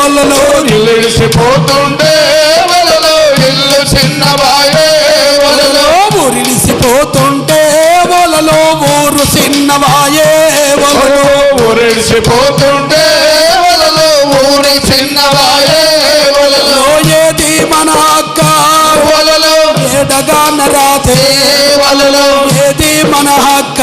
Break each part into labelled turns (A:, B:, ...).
A: వలలో
B: ఇల్లిసిపోతుంటే వలలో ఇల్లు చిన్నవాయే వలలో
A: ఊరిసిపోతుంటే వలలో ఊరు చిన్నవాయే వలలో
B: ఊరిసిపోతుంటే వలలో ఊరి చిన్నవాయే వలలో
A: ఏది మన హక్క
B: వలలో
A: ఏడగాన రాతే
B: వలలో
A: ఏది మన హక్క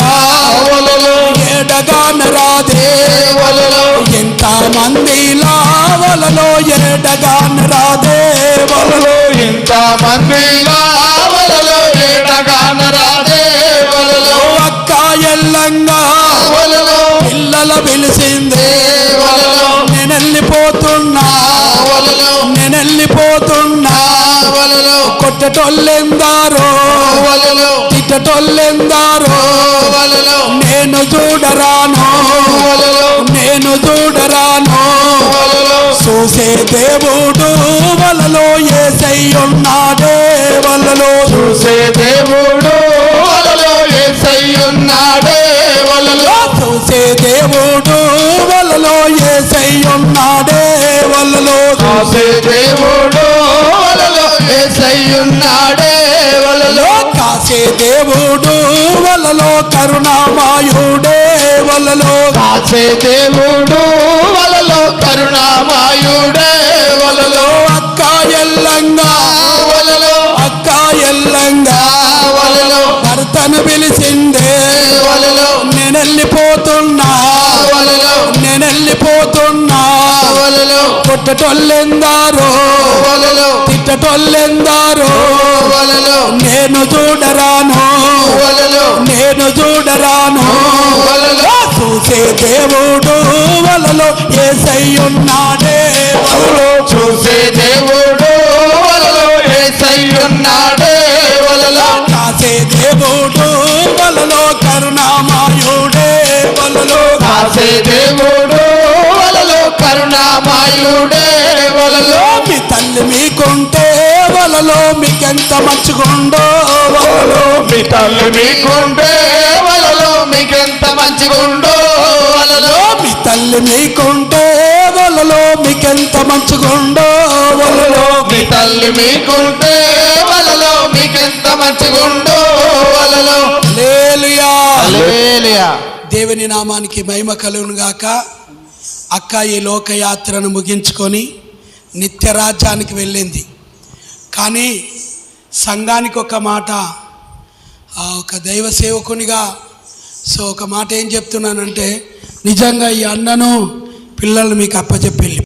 B: వలలో
A: ఏడగాన రాతే
B: వలలో
A: ఎంత మందిలా వలలో ఏడగాన రాదే వలలో
B: ఇంత మందిలా వలలో ఏడగాన రాదే వలలో
A: అక్క ఎల్లంగా
B: వలలో
A: పిల్లల పిలిచిందే
B: వలలో
A: నేనెళ్ళిపోతున్నా
B: వలలో
A: నేనెళ్ళిపోతున్నా
B: వలలో
A: కొట్టటోళ్ళెందారో
B: వలలో
A: తిట్టటోళ్ళెందారో
B: వలలో
A: నేను చూడరాను
B: వలలో
A: నేను చూడరాను
B: వలలో
A: చూసే దేవుడు వలలో యేసయ్యున్నాడే వలలో
B: చూసే దేవుడు వలలో యేసయ్యున్నాడే వలలో
A: చూసే దేవుడు వలలో యేసయ్యున్నాడే వలలో
B: చూసే దేవుడు వలలో యేసయ్యున్నాడే వలలో
A: కాసే దేవుడు వలలో కరుణామయుడే వలలో
B: కాసే దేవుడు వలలో కరుణామయుడే వలలో
A: అక్క ఎల్లంగా
B: వలలో
A: అక్క ఎల్లంగా
B: వలలో
A: భర్తను పిలిచిందే
B: వలలో
A: నేనెళ్ళిపోతున్నా
B: వలలో
A: నేనెళ్ళిపోతున్నా
B: వలలో
A: కొట్టటోళ్ళెందారో
B: వలలో
A: తిట్టటోళ్ళెందారో
B: వలలో
A: నేను చూడరాను
B: వలలో
A: నేను చూడరాను
B: వలలో
A: చూసే దేవుడు వలలో యేసయ్యున్నాడే
B: వలలో చూసే దేవుడు వలలో యేసయ్యున్నాడే వలలో
A: కాసే దేవుడు వలలో కరుణామయుడే వలలో
B: కాసే దేవుడు వలలో కరుణామయుడే వలలో
A: మీ తల్లి మీకుంటే వలలో మీకెంత మంచిగుండో వలలో
B: మీ తల్లి మీకుంటే వలలో మీకెంత మంచిగుండో వలలో
A: మీ తల్లి మీకుంటే వలలో మీకెంత మంచిగుండో వలలో
B: మీ తల్లి మీకుంటే వలలో మీకెంత మంచిగుండో వలలో
A: హల్లెలూయా
B: హల్లెలూయా.
A: దేవుని నామానికి మహిమ కలుగును గాక. అక్క ఈ లోకయాత్రను ముగించుకొని నిత్యరాజ్యానికి వెళ్ళింది. కానీ సంఘానికి ఒక మాట, ఒక దైవ సేవకునిగా ఒక మాట ఏం చెప్తున్నానంటే, నిజంగా ఈ అన్నను పిల్లలు మీకు అప్పచెప్పి